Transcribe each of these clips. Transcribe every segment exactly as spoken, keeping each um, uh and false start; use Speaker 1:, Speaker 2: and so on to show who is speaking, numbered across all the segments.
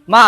Speaker 1: மா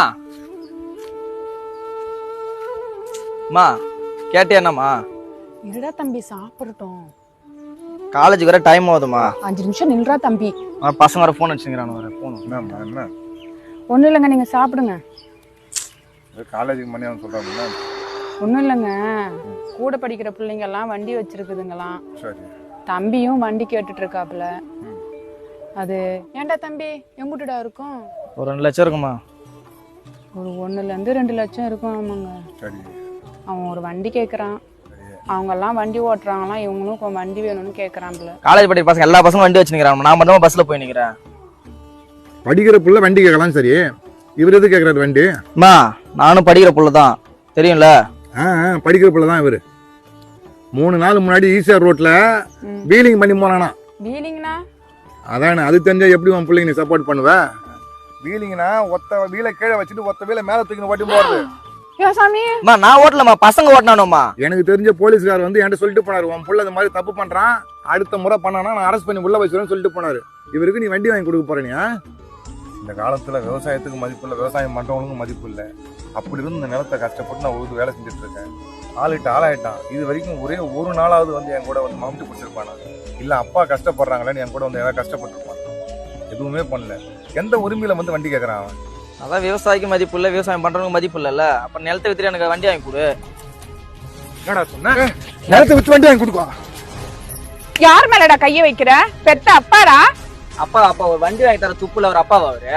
Speaker 1: மா கேட்டியாண்ணாமா?
Speaker 2: இருடா தம்பி சாப்பிடட்டும்.
Speaker 1: காலேஜுக்கு வர டைம் ஆகுதுமா.
Speaker 2: அஞ்சு நிமிஷம் நில்றா தம்பி.
Speaker 1: பசங்க வர ஃபோன் வச்சுக்கிறானு வர ஃபோன்.
Speaker 3: என்னம்மா என்ன
Speaker 2: ஒன்றும் இல்லைங்க, நீங்கள் சாப்பிடுங்க.
Speaker 3: காலேஜுக்கு மணி அவன் சொல்கிறாங்க.
Speaker 2: ஒன்றும் இல்லைங்க, கூட படிக்கிற பிள்ளைங்கெல்லாம் வண்டி வச்சிருக்குதுங்களாம்.
Speaker 3: சரி.
Speaker 2: தம்பியும் வண்டி கேட்டுட்டு இருக்காப்புல. அது ஏன்டா தம்பி எங்குட்டுடா இருக்கும்?
Speaker 1: ஒரு ரெண்டு லட்சம் இருக்குமா?
Speaker 2: ஒரு ஒன்றுலேருந்து ரெண்டு லட்சம் இருக்கும். ஆமாங்க.
Speaker 3: சரி.
Speaker 2: அவன் ஒரு வண்டி கேட்குறான். அவங்கெல்லாம் வண்டி ஓட்டுறாங்களாம், இவங்களும் இப்போ வண்டி வேணும்னு கேட்குறான்ல.
Speaker 1: காலேஜ் படிக்கிற பசங்க எல்லா பசங்களும் வண்டி வச்சுக்கிறான். நான் மட்டும் பஸ்ல போய் நிக்கிறேன்.
Speaker 3: படிக்கிற புள்ள வண்டி கேட்கலாம். சரி, இவர் எது கேட்கறாரு வண்டி?
Speaker 1: அம்மா நானும் படிக்கிற புள்ள தான், தெரியும்ல.
Speaker 3: ஆ படிக்கிற புள்ள தான் இவரு. மூணு நாள் முன்னாடி ஈசிஆர் ரோட்ல வீலிங் பண்ணி போனானா.
Speaker 2: வீலிங்னா?
Speaker 3: அதானே, அது தெரிஞ்சா எப்படி உன் பிள்ளைங்க நீ சப்போர்ட் பண்ணுவ? வீலிங்னா ஒத்த வீலை கீழே வச்சுட்டு ஒத்த வீலை மேல தூக்கி ஓட்டி போறது.
Speaker 2: ஏ சாமி,
Speaker 1: அம்மா நான் ஓட்டலம்மா, பசங்க ஓட்டினானுமா.
Speaker 3: எனக்கு தெரிஞ்ச போலீஸ்கார் வந்து என்கிட்ட சொல்லிட்டு போனாரு, உன் புள்ள இந்த மாதிரி தப்பு பண்றான், அடுத்த முறை பண்ணானா நான் அரெஸ்ட் பண்ணி உள்ள வச்சுருவேன்னு சொல்லிட்டு போனாரு. இவருக்கு நீ வண்டி வாங்கி கொடுக்க போறேனியா? இந்த காலத்துல விவசாயத்துக்கு மதிப்பு இல்லை, விவசாயம் பண்றவங்களுக்கும் மதிப்பு இல்லை. அப்படி இருந்து இந்த நிலத்தை கஷ்டப்பட்டு நான் ஒரு வேலை செஞ்சுட்டு இருக்கேன். ஆளுட்டு ஆளாயிட்டான். இது வரைக்கும் ஒரே ஒரு நாளாவது வந்து என் கூட வந்து மம்மிட்டு பிடிச்சிருப்பானா? இல்ல அப்பா கஷ்டப்படுறாங்களேன்னு என் கூட வந்து ஏதாவது கஷ்டப்பட்டுருப்பான். எதுவுமே பண்ணல. எந்த உரிமையில வந்து வண்டி கேட்கறான் அவன்?
Speaker 1: அதான் விவசாயிக்கு மதிப்பு இல்லை, விவசாயம் பண்றவங்களுக்கு மதிப்பு இல்லைல்ல. அப்ப நிலத்தை வித்துட்டு எனக்கு வண்டி வாங்கி கொடு.
Speaker 3: என்னடா சொன்ன? நிலத்தை வித்து வண்டி வாங்கி கொடுப்பா.
Speaker 2: யார் மேலடா கைய வைக்கிற? பெத்த அப்பாடா.
Speaker 1: அப்பா அப்பா ஒரு வண்டி வாங்கி தர துப்புல ஒரு அப்பாவா அவரு?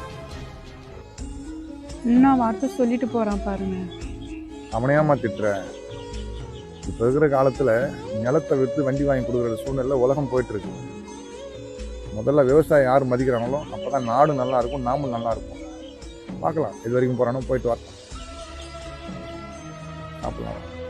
Speaker 2: இன்னும் வார்த்தை சொல்லிட்டு போறான் பாருங்க.
Speaker 3: அவனையாமா திட்டுற? இப்ப இருக்கிற காலத்துல நிலத்தை வித்து வண்டி வாங்கி கொடுக்குற சூழ்நிலை உலகம் போயிட்டு இருக்கு. முதல்ல விவசாயம் யார் மதிக்கிறாங்களோ அப்பதான் நாடு நல்லா இருக்கும், நாமும் நல்லா இருக்கும். பார்க்கலாம், இது வரைக்கும் போறானோ போயிட்டு வரலாம். சாப்பிடலாம்.